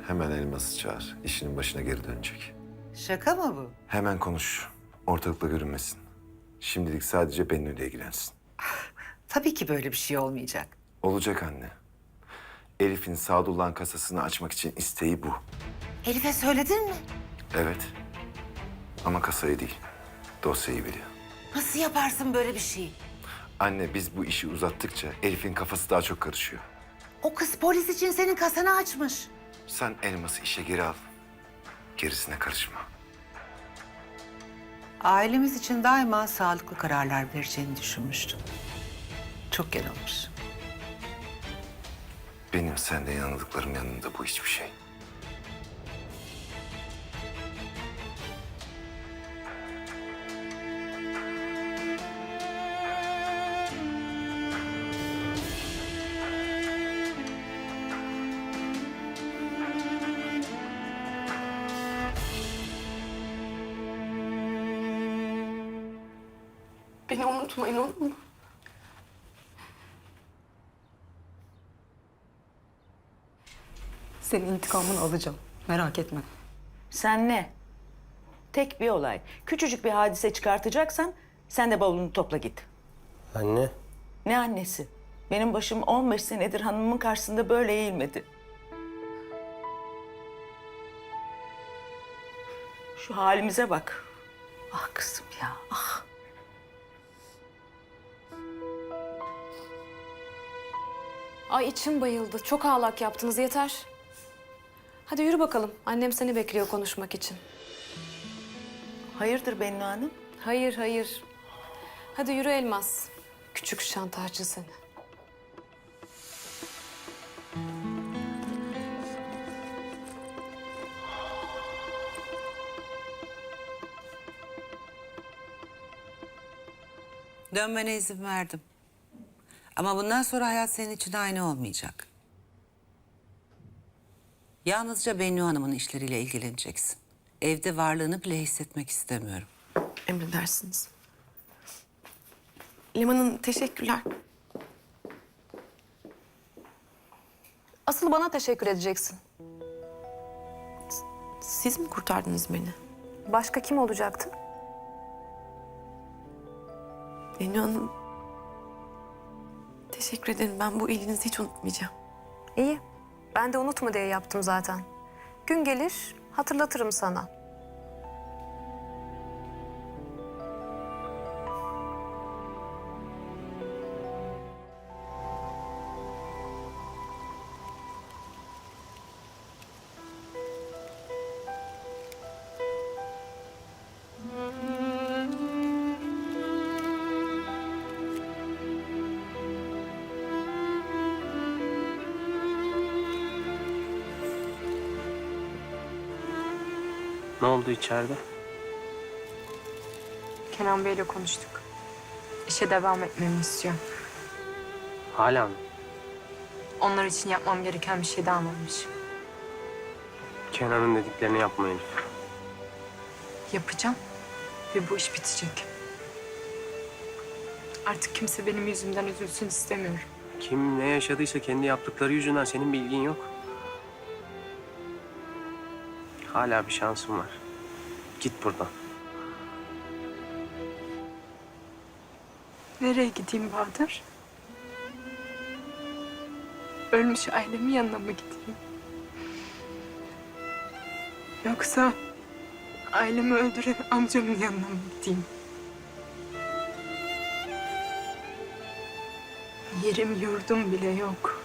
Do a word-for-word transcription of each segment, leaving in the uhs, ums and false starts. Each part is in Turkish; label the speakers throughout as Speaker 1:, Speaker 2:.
Speaker 1: Hemen Elmas'ı çağır. İşinin başına geri dönecek.
Speaker 2: Şaka mı bu?
Speaker 1: Hemen konuş. Ortalıkta görünmesin. Şimdilik sadece benimle ilgilensin.
Speaker 2: Tabii ki böyle bir şey olmayacak.
Speaker 1: Olacak anne. Elif'in Sadullah'ın kasasını açmak için isteği bu.
Speaker 2: Elif'e söyledin mi?
Speaker 1: Evet. Ama kasayı değil, dosyayı biliyor.
Speaker 2: Nasıl yaparsın böyle bir şeyi?
Speaker 1: Anne biz bu işi uzattıkça Elif'in kafası daha çok karışıyor.
Speaker 2: O kız polis için senin kasanı açmış.
Speaker 1: Sen Elmas'ı işe geri al. Gerisine karışma.
Speaker 2: Ailemiz için daima sağlıklı kararlar vereceğini düşünmüştüm. Çok yanılmış.
Speaker 1: Benim sende yanıldıklarım yanında bu hiçbir şey.
Speaker 3: Beni unutmayın, olur mu? Senin intikamını alacağım. Merak etme.
Speaker 4: Sen ne? Tek bir olay. Küçücük bir hadise çıkartacaksan sen de bavulunu topla git.
Speaker 5: Anne.
Speaker 4: Ne annesi? Benim başım on beş senedir hanımın karşısında böyle eğilmedi. Şu halimize bak. Ah kızım ya, ah.
Speaker 6: Ay içim bayıldı. Çok ağlak yaptınız, yeter. Hadi yürü bakalım. Annem seni bekliyor konuşmak için.
Speaker 4: Hayırdır Bennu Hanım?
Speaker 6: Hayır, hayır. Hadi yürü Elmas. Küçük şantajcı seni.
Speaker 2: Dönmene izin verdim. Ama bundan sonra hayat senin için aynı olmayacak. Yalnızca Bennu Hanım'ın işleriyle ilgileneceksin. Evde varlığını bile hissetmek istemiyorum.
Speaker 3: Emredersiniz. Liman'ın teşekkürler.
Speaker 6: Asıl bana teşekkür edeceksin.
Speaker 3: Siz mi kurtardınız beni?
Speaker 6: Başka kim olacaktı?
Speaker 3: Bennu Hanım, teşekkür ederim. Ben bu iyiliğinizi hiç unutmayacağım.
Speaker 6: İyi. Ben de unutma diye yaptım zaten. Gün gelir hatırlatırım sana.
Speaker 5: Ne oldu içeride?
Speaker 7: Kenan Bey'le konuştuk. İşe devam etmemi istiyor.
Speaker 5: Hala mı?
Speaker 7: Onlar için yapmam gereken bir şey daha varmış.
Speaker 5: Kenan'ın dediklerini yapma Elif.
Speaker 7: Yapacağım ve bu iş bitecek. Artık kimse benim yüzümden üzülsün istemiyorum.
Speaker 5: Kim ne yaşadıysa kendi yaptıkları yüzünden senin bilgin yok. Hala bir şansın var. Git buradan.
Speaker 7: Nereye gideyim Bahadır? Ölmüş ailemin yanına mı gideyim? Yoksa ailemi öldüren amcamın yanına mı gideyim? Yerim yurdum bile yok.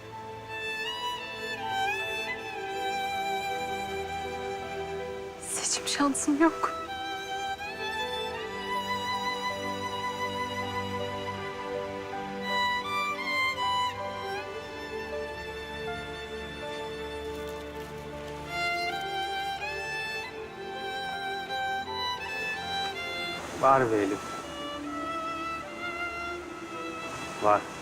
Speaker 7: Seçim şansım yok.
Speaker 5: Var be Elif. Var.